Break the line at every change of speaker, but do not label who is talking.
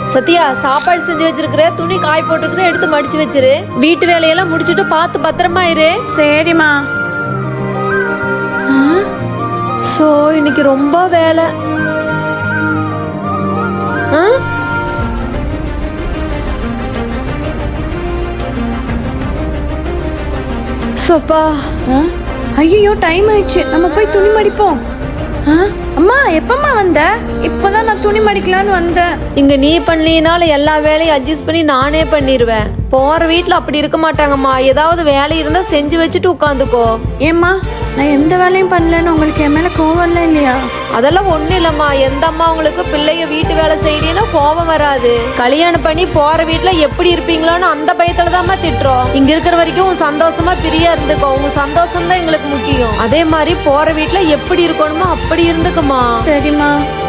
சத்யா, சாப்பாடு செஞ்சு வச்சிருக்கிற, துணி காய் போட்டுருக்கிற, எடுத்து மடிச்சு வச்சிரு. வீட்டு வேலையெல்லாம் முடிச்சுட்டு பார்த்து பத்திரமா இரு.
சரிம்மா.
சோ இன்னைக்கு ரொம்ப வேலை. சோப்பா.
ஐயோ டைம் ஆயிடுச்சு, நம்ம போய் துணி மடிப்போம். அம்மா எப்பம்மா வந்த? இப்போதான் நான் துணி மடிக்கலான்னு வந்தேன்.
இங்க நீ பண்ணலினாலும் எல்லா வேலையும் அட்ஜஸ்ட் பண்ணி நானே பண்ணிடுவேன். போற வீட்டுல அப்படி இருக்க மாட்டாங்கம்மா. ஏதாவது வேலை இருந்தா செஞ்சு வச்சுட்டு உட்காந்துக்கோ.
ஏம்மா, நான் எந்த வேலையும் பண்ணலன்னு உங்களுக்கு என் மேல கோவம் இல்லையா?
அதெல்லாம் ஒண்ணு இல்லம்மா. எந்த அம்மா உங்களுக்கு பிள்ளைங்க வீட்டு வேலை செய்யறீன்னா கோபம் வராது. கல்யாணம் பண்ணி போற வீட்டுல எப்படி இருப்பீங்களோன்னு அந்த பயத்துலதாம்மா திட்டுறோம். இங்க இருக்கிற வரைக்கும் சந்தோஷமா பிரியா இருந்துக்கோ. உங்க சந்தோஷம் தான் எங்களுக்கு முக்கியம். அதே மாதிரி போற வீட்டுல எப்படி இருக்கணுமோ அப்படி இருந்துக்குமா.
சரிம்மா.